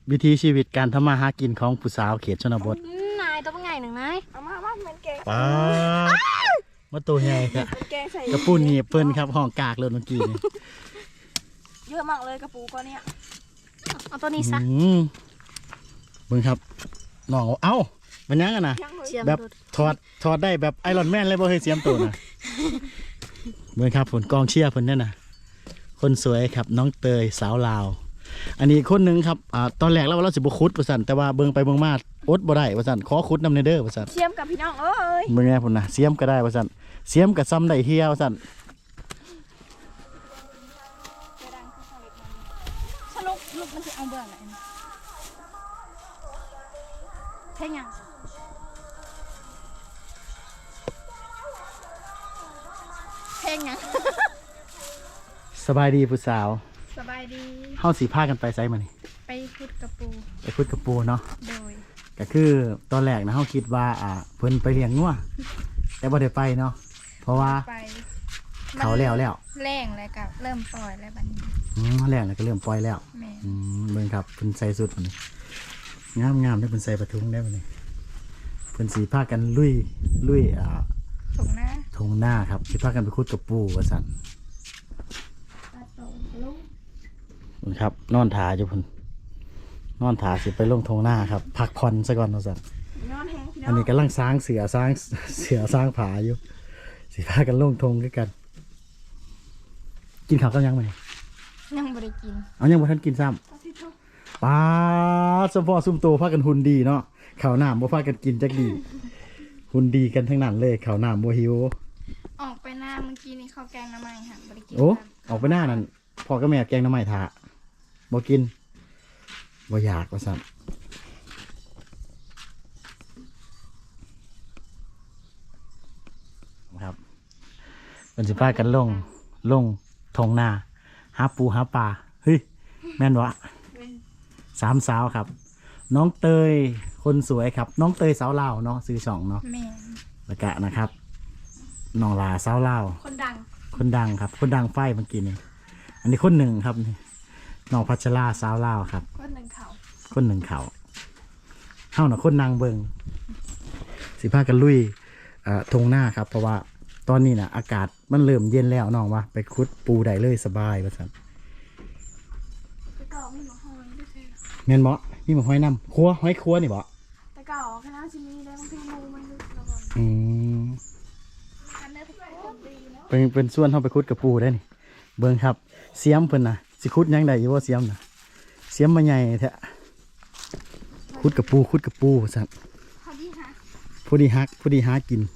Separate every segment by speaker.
Speaker 1: วิถีชีวิตการทำมาหากินของผู้สาวเขตชนบท
Speaker 2: นายตัวเป็นไงหนึ่งนาย
Speaker 3: เอามาเหมือนแกง
Speaker 1: ป้ามาตัวใหญ่ครับกระปูนี่เปิ้นครับห้องกากเลยเมื่อกี้นี่
Speaker 3: เยอะมากเลยกระปูก็เนี่ย
Speaker 2: เอาตัวนี้ซะ
Speaker 1: เบิ่งครับน้องเอ้ามันยังกันนะแบบถอดได้แบบไอรอนแมนเลยบ่เคยเสียมตัวนะเบิ่งครับผลกองเชียร์เพิ่นนั่นน่ะคนสวยครับน้องเตยสาวลาวอันนี้คนหนึ่งครับตอนแรกเราสิบ่คุดว่าซั่นแต่ว่าเบิ่งไปเบิ่งมาอดบ่ได้ว่าซั่นขอคุดนำเด้อว่าซั่น
Speaker 3: เสียมกับพี่น้องเอ้ย
Speaker 1: เบิ่งแน่พุ่นน่ะเสียมก็ได้ว่าซั่นเสียมก็ซ้ำได้เฮียว่าซั่น
Speaker 3: สรุปลูกมันจะเอาเบื่อไหนใช่ยังเพลงยัง
Speaker 1: สบายดีผู้สาว
Speaker 3: สบายดี
Speaker 1: เฮาสิพากันไปไสมื้อนี้
Speaker 3: ไปขุดกระปู
Speaker 1: ไปขุดกระปูเนาะ
Speaker 3: โดย
Speaker 1: ก็คือตอนแรกนะเฮาคิดว่าเพิ่นไปเลี้ยงงัวแต่บ่ได้ไปเนาะเพราะว่าเขาแล้ว
Speaker 3: แรงแล้วก็เริ่มปล่อยแล้วบัดนี้
Speaker 1: แรงแล้วก็เริ่มปล่อยแล้วเบิ่งครับเพิ่นใส่สุดพุ่นนี่งามๆได้เพิ่นใส่ปะทุงได้พุ่นนี่เพิ่นสิพากันลุย
Speaker 3: ถง
Speaker 1: หน้าครับสิพากันไปขุดกระปูว่าซั่นครับนอนถาอยู่พุ่นนอนถาสิไปลงทงหน้าครับพักผ่อนซะก่อนว่าซั่นอันนี้กำลังสร้างเสือสร้างผาอยู่สิพากันลงทงด้วยกันกินข้าวกันยังไหม
Speaker 3: ยังบ่ได้กิน
Speaker 1: เอายังบ่ทันกินซ้ำป้าสมพอซุ่มโตพากันหุ่นดีเนาะข้าวหน้าบ่พากันกินจักดีหุ่นดีกันทั้งนั้นเลยข้าวหน้าบ่หิว
Speaker 3: ออกไปหน้าเมื่อกี้นี่ข้าวแกงน้ำมันค่ะบ่ได้กิน
Speaker 1: โอ้ออกไปหน้านั่นพ่อกับแม่แกงน้ำมันถาบ่กินบ่อยากว่าซั่นครับเป็นสิพากันลงทงนาหาปูหาปลาเฮ้ยแม่นวะสามสาวครับน้องเตยคนสวยครับน้องเตยสาวลาวเนาะซื้อช่องเนาะแล้วก็นะครับน้องลาสาวลาว
Speaker 3: คนดัง
Speaker 1: ครับคนดังไฟเมื่อกี้นี่อันนี้คนหนึ่งครับนี่น้องพัชราสาวลาวครับ
Speaker 3: คนหนึ่งเขา
Speaker 1: เฮาหน่ะคนนางเบิงสิพากันลุยทงหน้าครับเพราะว่าตอนนี้นะอากาศมันเริ่มเย็นแล้วน้องว่าไปคุดปูได้เลยสบายว่าซั่นเงินบ่มีหมกหอยน้ำครัวหอยครัวนี่บ่
Speaker 3: แต่เก่าคณะชิมีได้บางทีงูมันลึกแล้ว
Speaker 1: ก็เป็นส่วนเฮาไปคุดกับปูได้นี่เบิ่งครับเสียมเพิ่นน่ะสิคุดยังได้อยู่บ่เสียมน่ะเสียมมาใหญ่แท้คุดกับปูว่าซั่นผู้ดีหากิน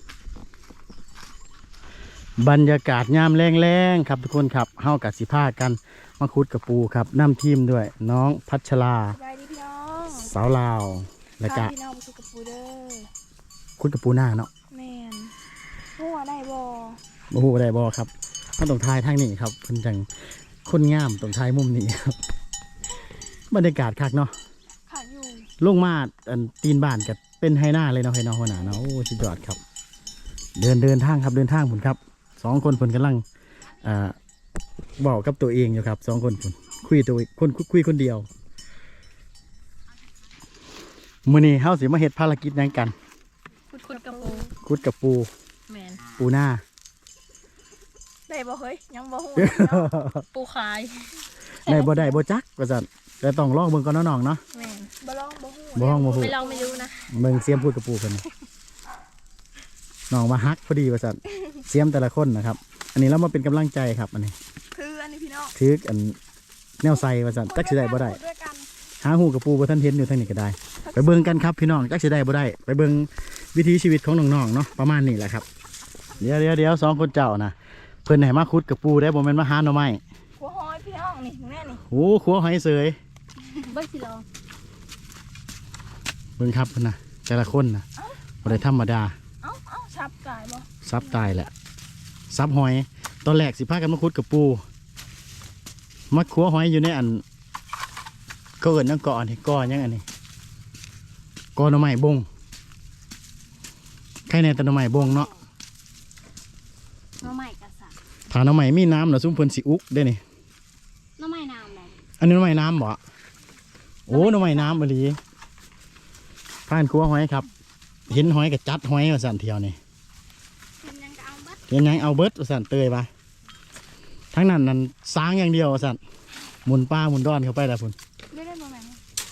Speaker 1: บรรยากาศยามแรงๆครับทุกคนครับเฮากับสิพากันมาคุดกับปูครับนำทีมด้วยน้องพัชราสาวลาวและก็คุดกับปูหน้าเนาะ
Speaker 3: แม่นหัวได้บ่
Speaker 1: ได้บ่ครับถ้าตรงท้ายทางนี้ครับเพิ่นจังคนงามตรงท้ายมุมนี้ครับบรรยากาศคักเนาะลงมาตีนบ้านกับเป็นไฮหน้าเลยเนาะไฮน้องหัวหน้าเนาะโอ้สุดยอดครับเดินทางผุนครับ2 คนผุนกำลังบอกกับตัวเองอยู่ครับ2 คนผุนคุยคนเดียวมื้อนี้เฮาสิมาเฮ็ดภารกิจนั้นกัน
Speaker 3: คุด
Speaker 1: กับปูปูหน้า
Speaker 3: ได้บ่เฮ้ยยังบ่ฮู้ปูขาย
Speaker 1: ได้บ่จักว่าซั่นแต่ต้องลองเบิ่งก่อนน้องๆเนาะ
Speaker 3: แม่นบ่ลองบ่ฮู้
Speaker 1: ไม่
Speaker 3: ลองไม่รู้นะ
Speaker 1: เบิ่งเสียมพูดกับปูเพิ่นน้องมาฮักพอดีว่าซั่นเสียมแต่ละคนนะครับอันนี้เรามาเป็นกำลังใจครับอันนี้
Speaker 3: พี่น้อง
Speaker 1: อันแนวใส่ว่าซั่นจักสิได้บ่ได้หาหูกับปูบ่ทันเห็นอยู่ทางนี้ก็ได้ไปเบิ่งกันครับพี่น้องจักสิได้บ่ได้ไปเบิ่งวิถีชีวิตของน้องๆเนาะประมาณนี้แหละครับเดี๋ยว2 คนเจ้านะเพิ่นให้มาขุดกับปูได้บ่แม่นมาหาหน่อไม้
Speaker 3: ขัวหอยพี่น้องนี่แม่นี่
Speaker 1: โอ้ขัวหอยเสย
Speaker 3: เบิ่งสิลอง
Speaker 1: เบิ่งครับเพิ่นน่ะแต่ละคนน่ะบ่ได้ธรรมดา
Speaker 3: ซับตายบ่
Speaker 1: ซับตายแหละซับหอยตอนแรกสิพากันมาขุดกับปูมาขัวหอยอยู่ในอันก็เอิ้นยังก่อนี่ก่อยังอันนี้ก่อหน่อไม้บงใครแน่แต่หน่อไม้บงเนาะ
Speaker 2: หน่อไม้กระสับ
Speaker 1: ถ้าหน่อไม้มีน้ำน่ะซุ่มเพิ่นสิอุกได้นี่
Speaker 2: หน่อไม้น้ำเลย
Speaker 1: อันนี้หน่อไม้น้ำบ่โโอ้หน่อไม้น้ำบรีผ่านครัวหอยครับเห็นหอยกับจัดหอยว่าสั่นเที่ยวนี่
Speaker 2: เป็นยังก็เอาเบิด
Speaker 1: เห็นยังเอาเบิดว่าสั่นเตยปะทั้งนั้นนั่นสร้างอย่างเดียวว่าสั่นหมุนป้าหมุนดอนเข้าไปแล้วพุ่น
Speaker 3: ได้ได้บ่แม่น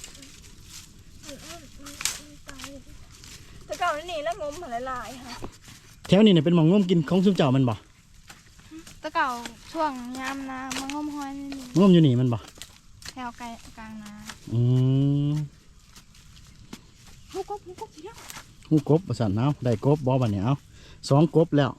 Speaker 3: แต่เก่านี่แล้วงมหลายๆค่ะ
Speaker 1: แถวนี้เนี่ยเป็นหมองง่วมกินของซุมเจ้ามันบ่
Speaker 3: แต่เก่าช่วงยามนามันงมหอยนี่
Speaker 1: ง่วมอยู่นี่มันบ่
Speaker 3: แถวไกลกลางนา
Speaker 1: อืม
Speaker 3: ฮู้กบเยอะ
Speaker 1: หูกบว่าสั่นเอาได้กบบ่บัดนี้เอา2 กบแล้ว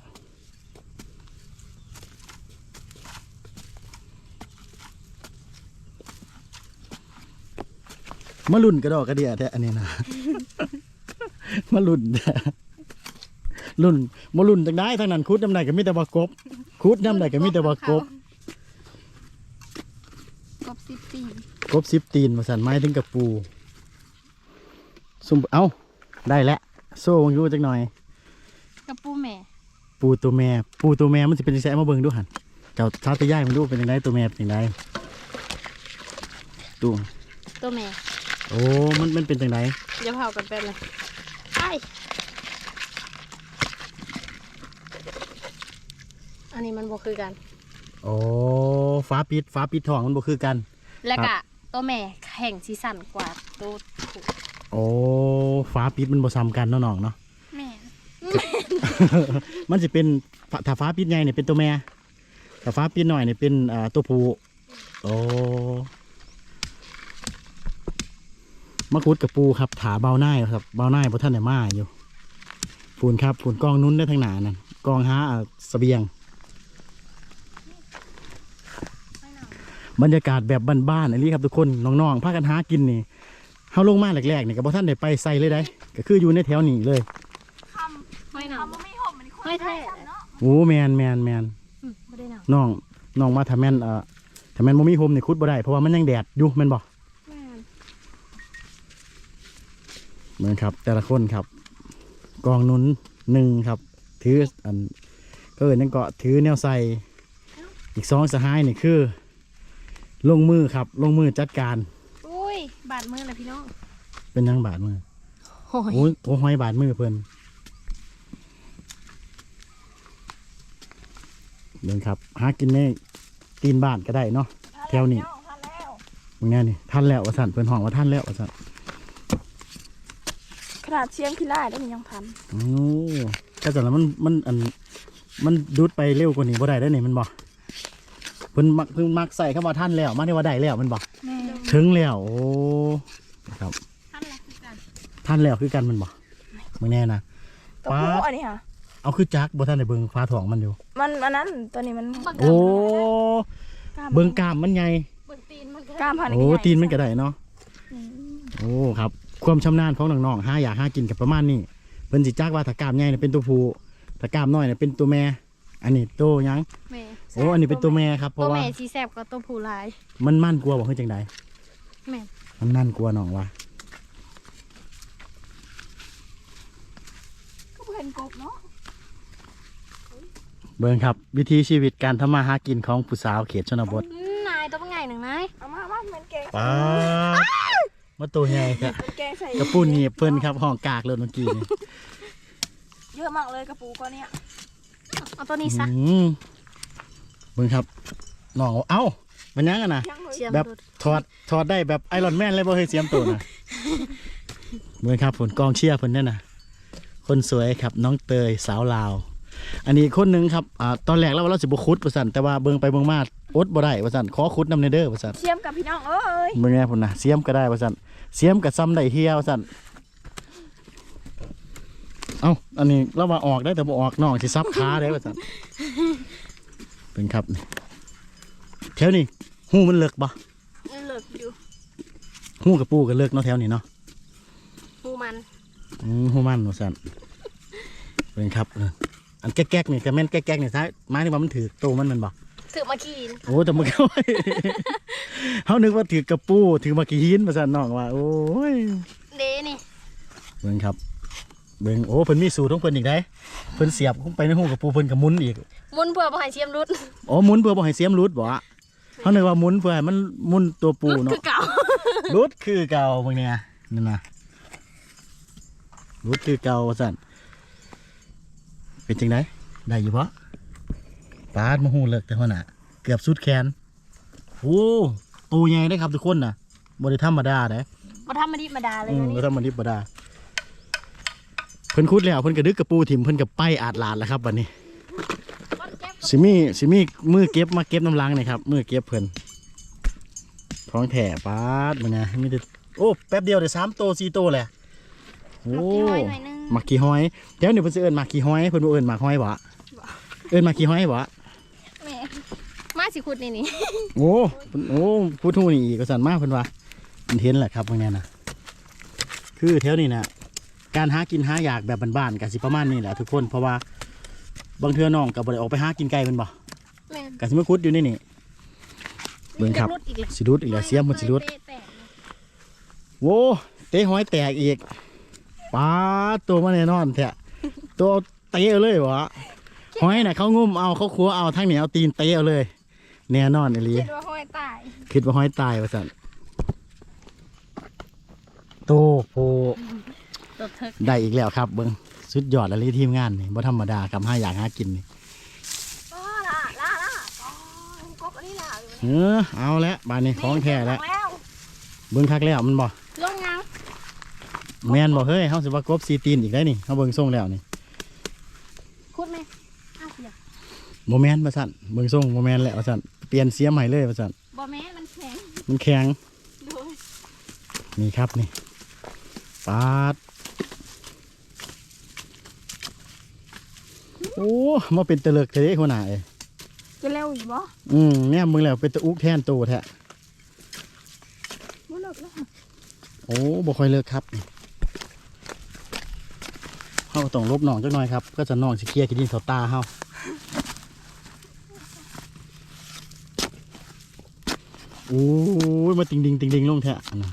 Speaker 1: มาลุ่นกระดอกกระเดียแท้อันนี้นะ มาลุ่นแท้ลุ่นมาลุ่นจังได้ทางนั้นคุดน้ำใดก็มีแต่ว่ากบคุดน้ำใดก็มีแต่ว่ากบ
Speaker 3: กบ10 ปี
Speaker 1: กบ10 ตีนมาสั่นไม้ถึงกับปูซุ่มเอาได้แล้วโซ่อยู่จักหน่อย
Speaker 3: กับปูแม่
Speaker 1: ปูตัวแม่มันจะเป็นจังไงมาเบิ่งดูหันเจ้าชาติย่ายมันดูเป็นยังไงตัวแม่เป็นยังไงตัว
Speaker 2: ตัวแม่
Speaker 1: โอ้มันเป็นจังไง
Speaker 2: อย่าเผากันเป็นเลยไออันนี้มันบ่คือกัน
Speaker 1: โอ้ฟ้าปิดทองมันบ่คือกัน
Speaker 2: แล้ว
Speaker 1: ครั
Speaker 2: ก็
Speaker 1: บ
Speaker 2: ตัวแม่แข่งสีสันกว่าตัวผู้
Speaker 1: โอ้ฟ้าปิดมันบ่ซ้ำกันเนาะน้องเนาะ
Speaker 3: แม่
Speaker 1: มันจะเป็นถ้าฟ้าปิดใหญ่เนี่ยเป็นตัวแม่ถ้าฟ้าปิดหน่อยเนี่ยเป็นตัวผู้โอ้มะกรูดกับปูครับถาเบาหน้าครับเบาหน้าเพราะท่านเนี่ยมาอยู่ปูนครับปูนกองนุ่นได้ทางหนานั่นกองหาเสบียง บรรยากาศแบบบ้านๆอันนี้ครับทุกคนน้องๆพากันหากินนี่เฮาลงมาแรกๆนี่กับพ่ท่านได้ไปใส่เลยได้ก็คืออยู่ในแถวนี้เลย
Speaker 2: ไม่หนาว
Speaker 3: คำว่าไม่ห่มมันคน
Speaker 2: ไม่แท้
Speaker 3: เนาะ
Speaker 1: โอ้แมน
Speaker 2: ไม่ได้หนาว
Speaker 1: น้องมาทำแมนทำแมนบ่มีโฮมนี่คุดบ่ได้เพราะว่ามันยังแดดอยู่แม่นบ่
Speaker 2: แม่น
Speaker 1: เหมือนครับแต่ละคนครับ กองนุ้นหนึ่งครับ ถืออันก็นั่นก็ถือแนวใส่อีก2 สหายนี่คือ ลงมือครับลงมือจัดการ
Speaker 2: อุ้ยบาดมือเลยพี่น้อง
Speaker 1: เป็นยังบาดมือ
Speaker 2: โอ้ย
Speaker 1: โอ้ยโอ้ห้อยบาดมือเพิ่นเดินครับหากินในตีนบ้านก็ได้เนาะ แถวนี้
Speaker 3: ทันแล้ว
Speaker 1: มึงแน่นี่ท่านแล้วว่าสั่นเพิ่นห้องว่าท่านแล้วว่าสั่น
Speaker 3: ขนาดเชียงขี้ไล่ได้ยังทัน
Speaker 1: โอ้แค่แต่ละมันดูดไปเร็วกว่านี้บ่ได้ได้อนี่มันบ่เพิ่นมักใส่เข้ามาท่านแล้วมาที่ว่าได้แล้วมันบ่
Speaker 3: แม่
Speaker 1: ถึงแล้วโอ้ครับ
Speaker 2: ท่านแหละคือกัน
Speaker 1: ท่านแล้วคือกันมันบ่มึงแน่นะ
Speaker 3: ตัวผู้อันนี้ค่ะ
Speaker 1: เอาคือจักบ่ท่านได้เบิ่งฟ้าท้องมันอยู่
Speaker 3: มันอันนั้นตัวนี้มัน
Speaker 1: โอ้
Speaker 3: กล้าม
Speaker 1: เบิ่งกล้ามมันใหญ่
Speaker 2: เบิ่งตีนมันก็
Speaker 3: กล้ามพัน
Speaker 1: โอ้ตีนมันก็ได้เนาะ
Speaker 3: อืม
Speaker 1: โอ้ครับ ความชำนาญของน้องๆหาอยากหากินกับประมาณนี้เพิ่นสิจักว่าถ้ากล้ามใหญ่เนี่ยเป็นตัวผู้ถ้ากล้ามน้อยเนี่ยเป็นตัวแม่ อันนี้ตัวหยัง
Speaker 2: แม่
Speaker 1: โอ้อันนี้เป็นตัวแม่ครับเพ
Speaker 2: ตัว
Speaker 1: ราะว่า
Speaker 2: แม่สีแสบกว่าตัวผู้หลาย
Speaker 1: มันมั่นกลัวบอกให้จังใด
Speaker 2: แม่น
Speaker 1: มันมั่นกลัวน้องวะ
Speaker 3: ก็เห็นกบเนาะ
Speaker 1: เบิ่งครับ วิถีชีวิตการทำมาหากินของผู้สาวเขตชนบท
Speaker 2: นายตัวเป็นไงหนึ่งนาย
Speaker 3: เอามามันแกง
Speaker 1: ป้าดมาตัวใหญ่ครับ
Speaker 3: มันแกงใส่
Speaker 1: กระปุ้นนี่เพิ่นครับห้องกากเลยเมื่อกี้นี่
Speaker 3: เยอะมากเลยกระปูก็เนี่ย
Speaker 2: เอาตัวนี้ซะ
Speaker 1: อืมเบิ่งครับน้องเอ้ามันยังกันนะ
Speaker 3: ยังเลย
Speaker 2: เชียม
Speaker 1: แบบ
Speaker 2: ดู
Speaker 1: ถอดได้แบบไอรอนแมนเลยบ่เคยเสียมตัวนะ เบิ่งครับผลกองเชียร์เพิ่นนั่นน่ะคนสวยครับน้องเตยสาวลาว อันนี้คนหนึงครับตอนแรกแล้วว่าเราสิบ่ขุดว่าซั่นแต่ว่าเบิ่งไปเบิ่งมาอดบ่ได้ว่าซั่นขอขุดนำเด้อว่าซั่น
Speaker 3: เชียมกับพี่น้องเอ้ย
Speaker 1: เบิ่งแน่พุ่นน่ะเสียมก็ได้ว่าซั่นเสียมก็ซ้ำได้เฮียว่าซั่นเอ้าอันนี้เราว่าออกได้แต่บ่ออกน้องสิซับขาได้ว่าซั่นเป็นครับนี่แถวนี้หูมันเลิกบ่
Speaker 2: เลิกอยู่
Speaker 1: หูกับปูก็เลิกเนาะแถวนี้เนาะ
Speaker 2: หูมัน
Speaker 1: หูมันว่าซั่นเป็นครับอันแก๊กๆนี่ก็แม่นแก๊กๆนี่ซะหมายถึงว่ามันถือโตมันบ่
Speaker 2: ถือมาขี่
Speaker 1: โอ้แต่มันก็ เขานึกว่าถือกระปูถือมากี่หินมาสั่นน้องว่าโอ้ย
Speaker 2: เดนี่
Speaker 1: เบิ่งครับเบิ่งโอ้เพิ่นมีสูตรของเพิ่นอีกได้เพิ่นเสียบลงไปในหูกระปูเพิ่นก็หมุนอีก
Speaker 2: มุนเพื่อบ่ให้เชียมรุด
Speaker 1: อ๋อหมุนเพื่อบ่ให้เสียมรุดบ่อะ
Speaker 2: แ
Speaker 1: เขานึกว่าหมุนเพื่อให้มันหมุนตัวปู
Speaker 2: รุดคื
Speaker 1: เนาะ
Speaker 2: อเก่า
Speaker 1: รุดคือเก่าบางเนี่ยนั่นนะรุดคือเก่าสั่นเป็นจังไดได้อยู่ปะปาดมาหูเลิกแต่หัวหน้าเกือบสุดแขนโอ้ตัวใหญ่ได้ครับทุกคนนะบริธรรมดาได้
Speaker 2: บ่ธรรมดาเลย
Speaker 1: บ
Speaker 2: นี่
Speaker 1: ริธรรมดาเพิ่นคุดแล้วเพิ่นกระดึกกระปูถิ่มเพิ่นกับไปอาดลาดแล้วครับวันนี้สิมีมือเก็บมาเก็บน้ำล้างนี่ครับมือเก็บเพิ่นท้องแถ่ปาดมันนะมีแต่โอ้แป๊บเดียวเดี๋ยว3 ตัว 4 ตัวแหละโอ้ หมักขี้ห้อยเดี๋ยวนี่เพิ่นสิเอิ้นหมักขี้ห้อยเพิ่นบ่เอิ้นหมักห้อยบ่เอิ้นหมักขี้ห้อยบ่
Speaker 2: แม่มาสิขุดนี่
Speaker 1: โอ้พูดทู่นี่อีกก็สั่นมากเพิ่นว่าเพิ่นเห็นแหละครับพวกนี้นะคือแถวนี้นะการหากินหาอยากแบบบ้านๆก็สิประมาณนี้แหละทุกคนเพราะว่าบางเทื่อน้องก็บ่ได้ออกไปหากินไก่เพิ่นบ่
Speaker 2: แม่
Speaker 1: ก็สิมาขุดอยู่นี่เบิ่งครับสิรุดอีกแล้วเสียมมันสิรุดโว้เตะห้อยแตกอีกปาดตัวมาแน่นอนแท้ตัวเตะเลยบ่ห้อยน่ะเขางุ้มเอาเขาขัวเอาทั้งนี้เอาตีนเตะเอาเลยแน่นอนอีหลี
Speaker 3: คิดว่าห้อยตาย
Speaker 1: คิดว่าห้อยตายว่าสั่นโตโพ
Speaker 2: ตัวเถิก
Speaker 1: ได้อีกแล้วครับเบิ้งสุดยอดอะไรทีมงานนี่บ่ธรรมดากับห้าอย่างหากินนี่
Speaker 3: ล่ากบอันนี้ล่ะอยู่
Speaker 1: เอาแล้วบานนี้ของแท้แล้ว
Speaker 3: แล้ว
Speaker 1: เบิ้งคักแล้วมันบ่
Speaker 2: ลงยัง
Speaker 1: แมนบ่เฮ้ยเฮาสิว่ากบซีตีนอีกได้นี่เฮาเบิ้งส่งแล้วนี่
Speaker 2: ขุดไหมอ้าวเสีย
Speaker 1: บ่แมนว่าสั่นเบิ้งส่งบ่แมนแล้วว่าสั่นเปลี่ยนเสียมให้เลยว่าสั่น
Speaker 2: บ่แม่มันแข็ง
Speaker 1: มันแข็ง
Speaker 2: ดู
Speaker 1: นี่ครับนี่ปาดโอ้มาเป็นตะเลิกเทหัวหน้าเอ้ย
Speaker 3: จะเร็วอีกบ่
Speaker 1: เนี่ยมึงแล้วเป็นตะอุกแทนโตแท้
Speaker 3: บ่เลิกแล้ว
Speaker 1: โอ้บ่ค่อยเลิกครับเฮาต้องลบหนองจักหน่อยครับก็จะหนองสิเคลียร์ขี้ดินเขาตาเฮาโอ้ยมาติงดิงลงแท้นะ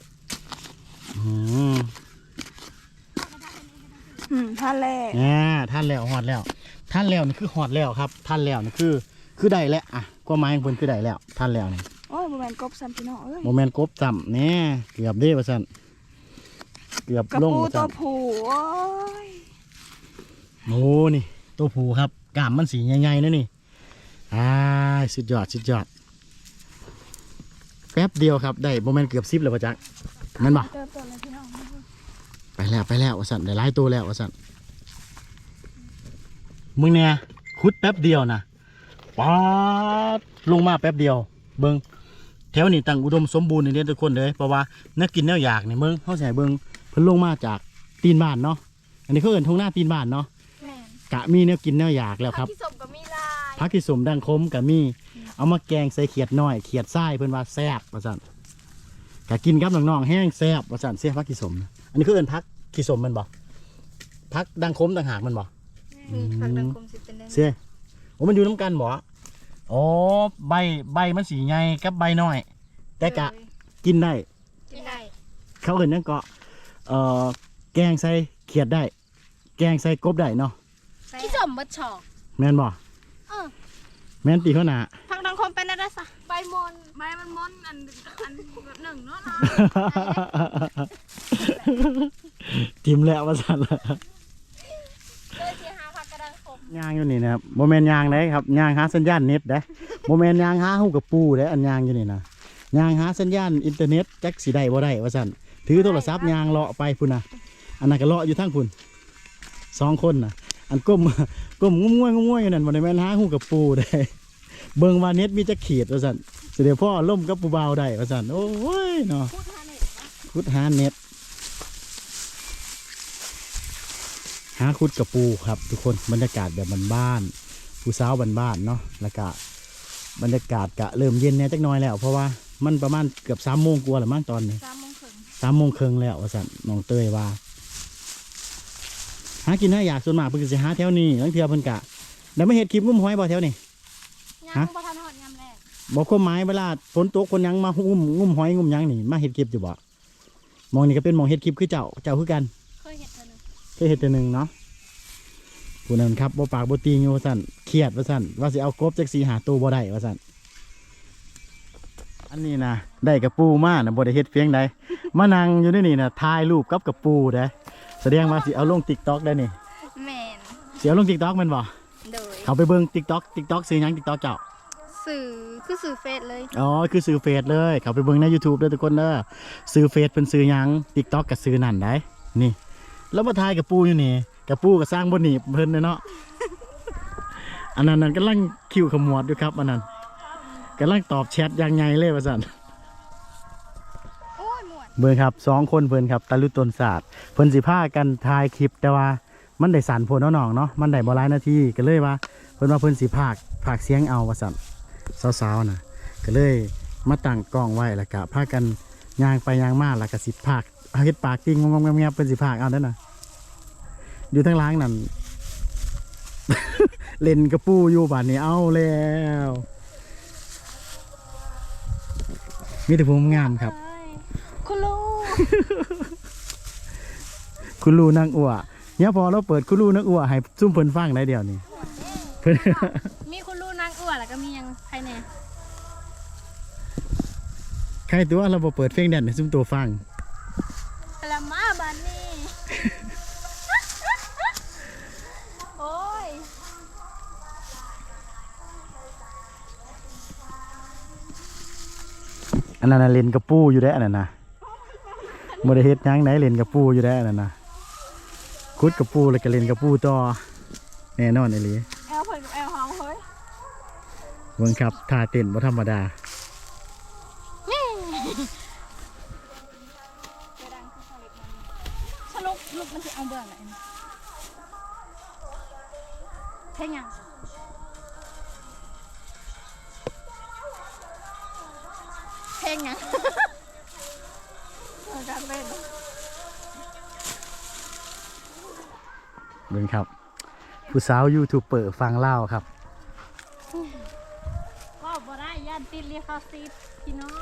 Speaker 3: ท่าแรก
Speaker 1: ท่านแล้วหอดแล้วท่านแล้วนี่คือหอดแล้วครับท่านแล้วนี่คือได้แล้วอ่ะก็หมายของเพิ่นคือได้แล้วท่านแล้วนี่
Speaker 3: โอ้ยบ่แม่นกบซ้ำพี่น้องเอ้ย
Speaker 1: โมเมนต์กบจำแน่เกือบเด้ว่าซั่นเกือบ
Speaker 3: กระ
Speaker 1: ลง
Speaker 3: ปู
Speaker 1: ว่า
Speaker 3: ตั
Speaker 1: ซั่
Speaker 3: วน ผู้โอ้ย
Speaker 1: โอ้นี่ตัวผูครับกล้ามมันสีใหญ่ๆนะนี่สุดยอดแป๊บเดียวครับได้โมเมนต์เกือบ10เลยป่ะจักนั่นบ่
Speaker 3: เติมต้นเลยพี่น้อง
Speaker 1: ไปแล้วว่าซั่นได้หลายตัวแล้วว่าซั่นมึงเนี่ยขุดแป๊บเดียวนะป๊าดลงมาแป๊บเดียวเบิ่งแถวนี้ตั้งอุดมสมบูรณ์ในเด้ทุกคนเลยเพราะว่านักกินแนวอยากนี่เบิ่งเฮาสิให้เบิ่งเพิ่นลงมาจากตีนบ้านเนาะอันนี้เขาเอิ้นทุ่งนาตีนบ้านเนาะ
Speaker 3: แม่น
Speaker 1: กะมีแนวกินแนวอยากแล้วครับ
Speaker 3: ที่สมก็มีลาย
Speaker 1: ผักที่สมดังคมกะมีเอามาแกงใส่เขียดน้อยเขียดทรายเพิ่นว่าแซ่บว่าซั่นกะกินกับน้องๆแห้งแซ่บว่าซั่นเสียผักที่สมนะอันนี้คือเอิ้นผักที่สมแมันบ่ผักดังคมต่างหากแมันบ่
Speaker 3: ผักดังคมสิเป็นแดง
Speaker 1: เสียโอ้มันอยู่น้ำกันบ่อ๋อใบมันสีใหญ่กับใบน้อย แต่กะกินได้
Speaker 2: กินได้
Speaker 1: เขาเอิ้นหยังเกาะแกงใส่เขียดได้ แกงใส่กบได้เนาะ
Speaker 2: ที่สมบัติชอก
Speaker 1: แม่นบ่แม่นตีเขาหนา
Speaker 2: พักดังคมเป็นอะไรซะ
Speaker 3: ใบมอนใบมันมอนอันแบบหนึ่งเนาะนะ
Speaker 1: ทิมแล้วว่าสั่นละ
Speaker 2: เลยที่หาพักกระดังคม
Speaker 1: ยางอยู่นี่นะครับโมเมนยางได้ครับยางหาสัญญาณเน็ตได้โมเมนยางหาหูกับปูได้อันยางอยู่นี่นะยางหาสัญญาณอินเทอร์เน็ตจักสีได้บ่ได้ว่าสั่นถือโทรศัพท์ยางเลาะไปพุ่นนะอันนั้นก็เลาะอยู่ทั้งพุ่น2 คนนะอันก้มงุ้มง่วยอยู่นั่นบ่ได้แม่นหาหูกับปูได้เบิ่งว่าเน็ตมีจักขีดว่าสั่นสิเดี๋ยวพ่อล่มกับปูเบาได้ว่าสั่นโอ้ยเนาะ
Speaker 2: พูดทานเลย
Speaker 1: ขุดหาเน็ตหาขุดกับปูครับทุกคนบรรยากาศแบบบ้านๆผู้สาวบ้านๆเนาะแล้วก็บรรยากาศกะเริ่มเย็นแน่จักหน้อยแล้วเพราะว่ามันประมาณเกือบ3 โมงกว่าแล้วมั้งตอนนี้
Speaker 3: 3 โมงครึ่ง
Speaker 1: 3 โมงครึ่งแล้วว่าสั่นน้องเตยว่าหากินหาอยากส่วนมากเพิ่นก็สิหาแถวนี้บางเทื่อเพิ่นกะแล้วไม่เห็ดคลิปงุ้มหอยบ่แถวนี้
Speaker 2: ยังบ่ทันหอดยำแรก
Speaker 1: บอกความหมายเวลาฝนตกคนหยังมางุ้มหอยงุ้มหยังนี่มาเห็ดคลิปอยู่บ่มองนี่ก็เป็นมองเห็ดคลิปคือเจ้าคือกัน
Speaker 2: เคยเห็นเธอหนึ่ง
Speaker 1: เคยเห็ดตัวหนึ่งเนาะผู้นั้นครับบ่ปากบ่ตีงอยู่ว่าสั่นเครียดว่าสั่นว่าสิเอากบจัก4-5 ตัวบ่ได้ว่าสั่นอันนี้นะได้กระปูมานะบ่ได้เฮ็ดเพียงใดมานั่งอยู่ในนี่นะถ่ายรูปกับกระปูได้แสดงว่าสิเอาลง TikTok ได้นี่
Speaker 2: แม่น
Speaker 1: สิเอาลง TikTok แม่นบ่
Speaker 2: โดย
Speaker 1: เขาไปเบิ่ง TikTok ซื้อหยัง TikTok เจ้า
Speaker 2: สื่อคือสื่อเฟซเลย
Speaker 1: อ๋อคือซื้อเฟซเลยเขาไปเบิ่งใน YouTube เด้อทุกคนเด้อซื้อเฟซเพิ่นซื้อหยัง TikTok ก็ซื้อนั่นได้นี่แล้วมาถ่ายกระปูอยู่นี่กระปูก็สร้างบ่หนีบเพิ่นเนาะ อันนั้นกำลังคิวขมวดอยู่ครับอันนั้นกำลังตอบแชทอย่างไงเลยว่าซั่น
Speaker 2: โอ้ยหมวด
Speaker 1: เบิ่งครับ2คนเพิ่นครับตะลุตนศาสตร์เพิ่นสิพากันถ่ายคลิปแต่ว่ามันได้สั่นโพดน้องๆเนาะมันได้บ่หลายนาทีก็เลยว่าเพิ่นว่าเพิ่นสิพากเสียงเอาว่าซั่นสาวๆน่ะก็เลยมาตั้งกล้องไว้แล้วก็พากันย่างไปย่างมาแล้วก็สิพากเฮ็ดปากติ้งงงๆๆเพิ่นสิพากเอาเด้อน่ะอยู่ทางหล้างนั่น เล่นกระปูอยู่บาดนี้เอาแล้วมีแต่ผมงามครับ
Speaker 2: คุณลูก
Speaker 1: คุณลูนางอั่วเนี่ยพอเราเปิดคุณลูนางอั่วให้ซุ่มเพิ่นฟังได้เดียวนี่เพิ่น
Speaker 2: มีคุณลูกนางอ้วนแล้วก็มียังใครแน่
Speaker 1: ใครตัวเราบ่เปิดเพลงแดนให้ซุ่มตัวฟัง
Speaker 2: ปลามาบานนี่ โอ้ย
Speaker 1: อันนั้นนะเล่นกระปูอยู่ได้อันนั้นนะบ่ได้เฮ็ดหยังไหนเล่นกระปูอยู่ได้อันนั้นนะคุดกระปูแล้วก็เล่นกระปูต่อแน่นอนไอ้หลี
Speaker 3: แอลเพิ่นกับแอลเฮาเฮ้ย
Speaker 1: เบิ่งครับท่าเต้นบ่ธรรมดา
Speaker 2: สรุปลูกมันจะเอาเบื่อไหนเพลงยังเพลงยัง
Speaker 3: การเล่น
Speaker 1: เบิ่งครับผู้สาวยูทูบเบอร์ฟังเล่าวครับ
Speaker 2: ก็บ่ได้ย่านติดเรียกเขาซีพี่น้อง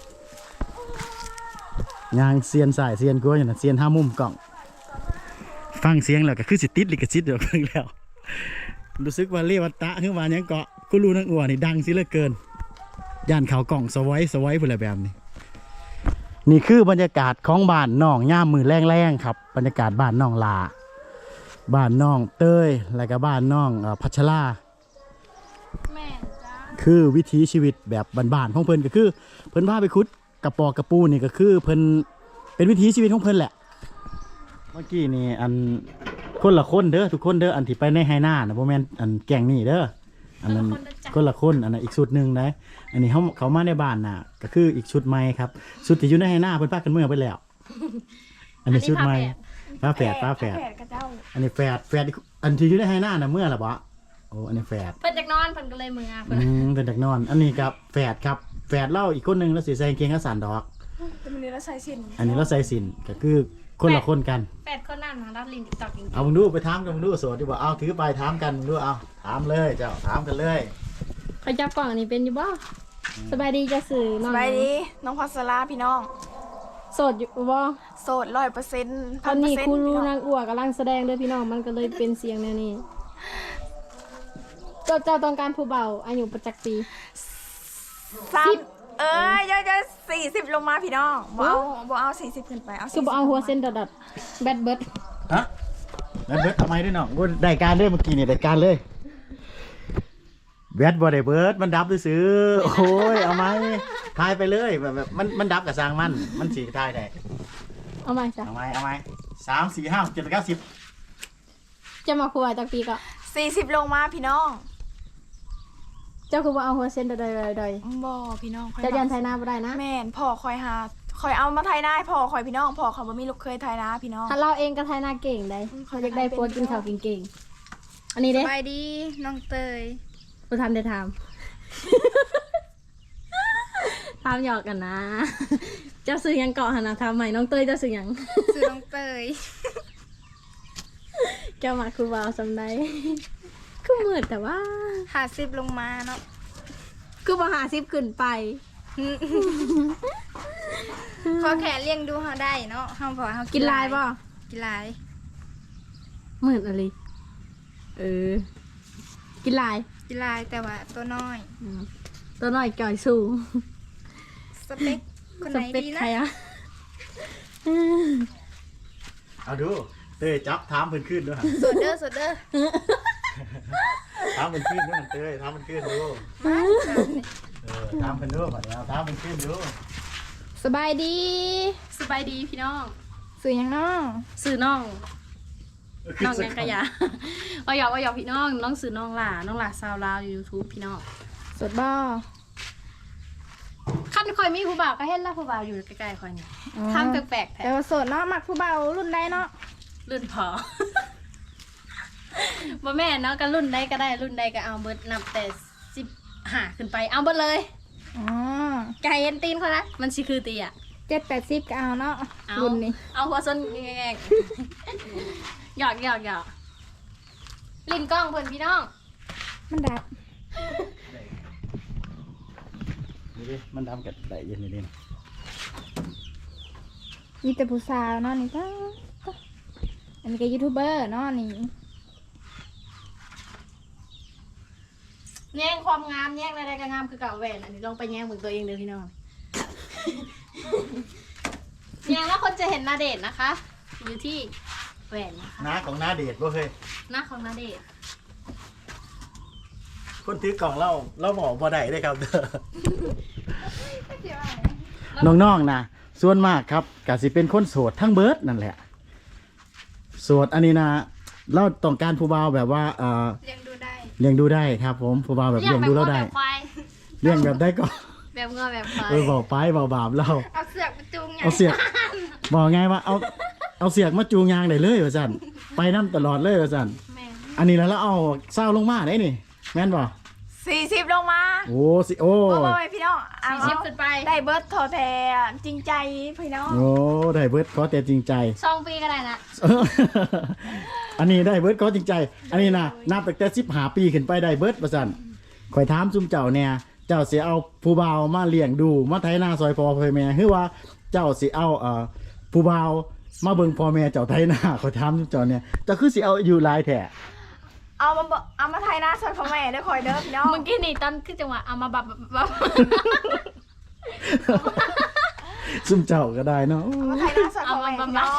Speaker 1: ยางเซียนสายเซียนกัวอย่างนั้นเซียนห้ามุมกล่อง ฟังเสียงแล้วก็คือสิติดลิขสิทธิ์เดี๋ยวเพิ่งแล้ว รู้สึกว่าเรียกว่าตะขึ้นมายังเกาะกูรู้นักอั่วนี่ดังสิเหลือเกินย่านเขากล่องสไว้พูดอะไรแบบนี้นี่คือบรรยากาศของบ้านน้องย่ามมือแรงๆครับบรรยากาศบ้านน้องลาบ้านน้องเต้ยแล้วก็บ้านน้องพัชรา
Speaker 2: แม่นจ้า
Speaker 1: คือวิถีชีวิตแบบบ้านๆของเพิ่นก็คือ เพิ่นพาไปคุดกระปอกกระปูนี่ก็คือเพิ่นเป็นวิถีชีวิตของเพิ่นแหละเมื่อกี้นี่อันคนละคนเด้อทุกคนเด้ออันที่ไปในไฮนานะบ่แม่นอันแก่งนี่เด้ออันนั้นคนละคนอันนั้นอีกชุดหนึงนะอันนี้เขามาในบ้านน่ะก็คืออีกชุดใหม่ครับชุดที่อยู่ในไฮนาเพิ่นพากันเมื่อไปแล้ว อันนี้ชุดใหม่ฟ้าแฝด
Speaker 3: แฝดกับเจ้า
Speaker 1: อันนี้แฝดอีกอันที่อยู่ในไฮนาน่ะเมื่อละบ่โอ้อันนี้แฝด
Speaker 2: เพิ่นจากนอนเพิ่นก็เลยมือเพิ่น
Speaker 1: เป็นเด็กนอน อันนี้ครับแฝดครับแฝดเล่าอีกคนหนึงแล้วสีใส่กางเกงขาสั้นดอก
Speaker 3: แต่มันนี้เราใช้สิน
Speaker 1: อันนี้เราใส่สินก็คือคนละคนกัน
Speaker 2: แปดคนนั่นนะรับลินติ๊กต็อกจริง
Speaker 1: เอามึงดูไปถามกันมึงดูโสดดีกว่าเอาถือไปถามกันมึงดูเอาถามเลยเจ้าถามกันเลย
Speaker 2: ๆเขาจับกล่องอันนี้เป็นอยู่บ่สบายดีจะสื่อน้อง
Speaker 3: สบายดีน้องพัสลาพี่น้อง
Speaker 2: โสดอยู่บ่
Speaker 3: โสด100%
Speaker 2: ตอนนี้ครูรู้นางอ้วกำลังแสดงเด้อพี่น้องมันก็เลยเป็นเสียงแนวนี้เจ้าต้องการผู้เบาอายุประจักษ์ปี
Speaker 3: 3จะ40ลงมาพี่น้องบ่เอา40ขึ้นไปเอา
Speaker 2: คือบ่เอาหัวเส้นดอดๆแบดเบิด
Speaker 1: ฮะแล้วเบิร์ดทำไมด้วยน้องกูได้การเลยเมื่อกี้เนี่ยได้การเลยแบดบอได้เบิร์ดมันดับซื้อๆโอ้ยเอาไหมทายไปเลยแบบมันดับกับสร้างมันสีทายได้
Speaker 2: เอามาจ้ะ
Speaker 1: เอาไหม3 4 5 7 8 9 10
Speaker 2: จะมาครัวจักปีก็
Speaker 3: 40ลงมาพี่น้อง
Speaker 2: เจ้าคือบ่เอาหัวเส้นดอดๆ
Speaker 3: บ่พี่น้อง
Speaker 2: ๆจะยันไทยนาบ่ได้นะ
Speaker 3: แม่นพ่อคอยเอามาไทยนาให้พ่อคอยพี่น้องพ่อเขาบ่มีลูกเคยไทยนาพี่น้อง
Speaker 2: ถ้าเราเองก็ไทยนาเก่งได้เขาอยากได้ผัวกินข้าวเก่งๆอันนี้เด้
Speaker 3: สบายดีน้องเตย
Speaker 2: บ่ทำได้ทำ ทำหยอกกันนะ เจ้าซื้อหยังเกาะหนนะทำใหม่น้องเตยเจ้าซื้อหยัง
Speaker 3: ซื้อน้องเตย
Speaker 2: เจ้ามาคือวาวสำไดคือมืดแต่ว่า
Speaker 3: 50ลงมาเนาะ
Speaker 2: คือบ่50ขึ้นไป
Speaker 3: ขอแค่เลี้ยงดูเฮาได้เนาะเฮาพอเฮา
Speaker 2: กินลายบ่
Speaker 3: กินลาย
Speaker 2: มืดอะไรกินลาย
Speaker 3: กินลายแต่ว่าตัวน้อย
Speaker 2: ตัวน้อยจ่อยสูง
Speaker 3: สเปคคนไหน
Speaker 2: สเปค
Speaker 3: ดี
Speaker 2: ใคร
Speaker 3: นะ
Speaker 2: อะ
Speaker 1: เอาดูเต้ยจับถามเพิ่นขึ้นด้วย
Speaker 3: สดเด้อสดเด้อ
Speaker 1: ถามเพิ่นขึ้นด้วยเต้ยถามเพิ่นขึ้นดู
Speaker 3: มา
Speaker 1: ถามเพิ่นดูบัดนี้เอาถามเพิ่นขึ้นดู
Speaker 3: สบายดี
Speaker 2: สบายดีพี่น้อง
Speaker 3: สื่อหยังน้อง
Speaker 2: สื่อน้อง
Speaker 1: ขึ้
Speaker 2: น้อง
Speaker 1: สั
Speaker 2: ยังกะยาว่าหยอกพี่น้องน้องสื่อน้องหล่าซาวลาวอยู่ YouTube พี่น้อง
Speaker 3: สดบ่
Speaker 2: ขั้นคอยมีผู้บ่าวก็เห็นแล้วผู้บ่าวอยู่ใกล้ๆคอยนี่ทำแปลกๆแท้
Speaker 3: แต่ว่าโสดเนาะมักผู้เบารุ่นใดเนาะ
Speaker 2: รุ่นพอ บ่แม่นเนาะก็รุ่นใดก็ได้รุ่นใดก็เอาเบิดนับแต่15ขึ้นไปเอาเบิดเลย
Speaker 3: อ๋อ
Speaker 2: ไก่เอ็นตีนเขานะมันสิคือตีอ่ะ
Speaker 3: 7-80ก็เอาเนาะ
Speaker 2: เอา
Speaker 3: รุ่นนี้
Speaker 2: เอาหัวส้นแงงๆหยอกลิ้นกล้องเพิ่นพี่น้อง
Speaker 3: มันดับ
Speaker 1: นี่ดิมันทำกับได้เย็นนี่ดิ
Speaker 3: มีแต่ผู้สาวเนาะนี่ก็อันนี้ก็ยูทูบเบอร์เนาะนี่
Speaker 2: แย่งความงามแย่งอะไรก็งามคือเก่าแหวนอันนี้ลองไปแย่งเบิ่งตัวเองเด้อพี่น้อง แย่งแล้วคนจะเห็นหน้าเดชนะคะ อยู่ที่แหวนนะคะ
Speaker 1: น้าของน้าเดชบ่เคย
Speaker 2: หน้าของหน้าเดช
Speaker 1: คนถือกล่องเราบอกบ่ได้ได้ครับเด้อน้องๆนะส่วนมากครับก็สิเป็นคนโสดทั้งเบิดนั่นแหละโสดอันนี้นะเราต้องการผู้บ่าวแบบว่า
Speaker 3: เลี้ยงดูได้
Speaker 1: เลี้ยงดูได้ครับผมผู้บ่าวแบบเลี้ยงดูเราได้
Speaker 2: แบบควาย
Speaker 1: เลี้ยงแบบได้ก็
Speaker 2: แบบงัวแบบควาย
Speaker 1: บอกไปเบาบาปเรา
Speaker 3: เอาเสือกมาจูงไง
Speaker 1: เอาเสียกบอกไงว่าเอาเสียกมาจูงยางได้เลยว่าซั่นไปน้ำตลอดเลยว่าซั่น
Speaker 2: แม่ง
Speaker 1: อันนี้แล้วเราเอาเศร้าลงมาได้นี่แม่นบ่
Speaker 3: 40ลงมา
Speaker 1: โอ้สิโอ้
Speaker 3: บ่พี่น้องเอา
Speaker 2: ชิปขึ้นไป
Speaker 3: ได้เบิร์ดทอแทจริงใจพี่น้อง
Speaker 1: โอ้ได้เบิร์ดขอแต่จริงใจ
Speaker 2: 2 ปีก็ได้นะ
Speaker 1: อันนี้ได้เบิร์ดขอจริงใจ อันนี้นะนับตั้งแต่15 ปีขึ้นไปได้เบิร์ดว่าซั่นข่อยถามซุมเจ้าเนี่ยเจ้าสิเอาผู้บ่าวมาเลี้ยงดูมาไถนาซอยพ่อพ่อแม่หรือว่าเจ้าสิเอาผู้บ่าวมาเบิ่งพ่อแม่เจ้าไถนาข่อยถามซุมเจ้าเนี่ยเจ้าคือสิเอาอยู่หลายแท้
Speaker 3: เอามาไทยหน้าซอยพ่อแม่เด้อคอยเด้อพี่น้อง
Speaker 2: เมื่อกี้นี่ตอนคือจังหวะเอามาบับ
Speaker 1: ซุมเจ้าก็ได้เนาะ
Speaker 3: เอามาไทยหน้าซอยพ่อแม่พี่น้อง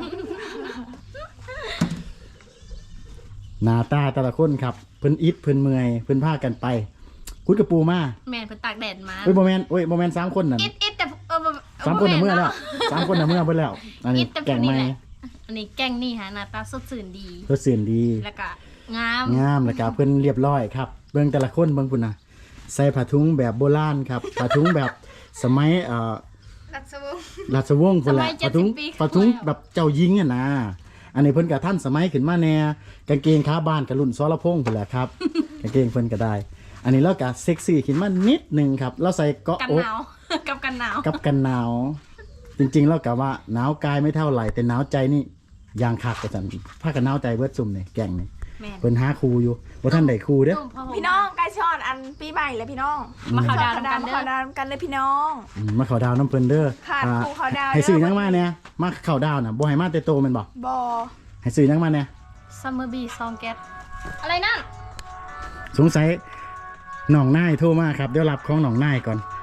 Speaker 1: หน้าตาแต่ละคนครับเพิ่นอิดเพิ่นเมื่อยเพิ่นพากันไปคุดกระปูมา
Speaker 2: แม่นเพิ่นตากแดดมา
Speaker 1: เฮ้ยบ่แม่น3คนนั่น
Speaker 2: อิดแต่
Speaker 1: 3คนน่ะเมื่อแล้ว3คนน่ะเมื่อเบิดแล้ว อันนี้
Speaker 2: แต่
Speaker 1: แก่งใหม่
Speaker 2: อันนี้แกงนี่ฮะหน้าตาสดชื่นดี
Speaker 1: เพิ่นเสียนดี
Speaker 2: แล้วก็งาม
Speaker 1: งามแล้วก็เพิ่นเรียบร้อยครับเบิ่งแต่ละคนเบิ่งพุ่นน่ะใส่ผ้าถุงแบบโบราณครับผ้าถุงแบบสมัย
Speaker 3: รัศวงศ์
Speaker 1: ราชวงศ์พุ่นแหละผ้าถุงแบบเจ้าหญิงอ่ะนะอันนี้เพิ่นก็ทันสมัยขึ้นมาแน่กางเกงขาบ้านกับรุ่นสรพงษ์พุ่นแหละครับ กางเกงเพิ่นก็ได้ อันนี้เราก็เซ็กซี่ขึ้นมานิดนึงครับเราใส่เกาะ
Speaker 2: กัน
Speaker 1: อก
Speaker 2: หนาว กับกันหนาว
Speaker 1: กับกันหนาว จริงๆแล้วกะว่าหนาวกายไม่เท่าไหร่แต่หนาวใจนี่อย่างคักกว่าซั่นพากันหนาวใจเบิดซุ่มนี่แก่งนี่
Speaker 2: แม่น
Speaker 1: เพิ่นหาครูอยู่บ่ทันได้ครูเด้อ
Speaker 2: ตุ่มผ้าห่ม
Speaker 3: พี่น้องใกล้ช้อนอันปีใหม่เลยพี่น้อง
Speaker 2: มาเขา
Speaker 3: ช้
Speaker 2: ดา
Speaker 3: อ
Speaker 2: วน กัน
Speaker 3: เขา
Speaker 2: เด้อ
Speaker 3: ดาวกันเลยพี่น้อง
Speaker 1: มาเข้าดาวน้ำเพิ่นเด้อ
Speaker 3: ขาด
Speaker 1: อ่า
Speaker 3: ครูเขาดาว
Speaker 1: ให้ซื้อหยังมาเนี่ยมาเข้าดาวน่ะบ่ให้มาแต่โตแม่นบ่
Speaker 3: บอ
Speaker 1: ให้ซื้อหยังมาเนี่ย
Speaker 2: ซัมเมอร์บีซองแก๊สอะไรนั่น
Speaker 1: สงสัยน้องนายโทรมาครับเดี๋ยวรับของน้องนายก่อน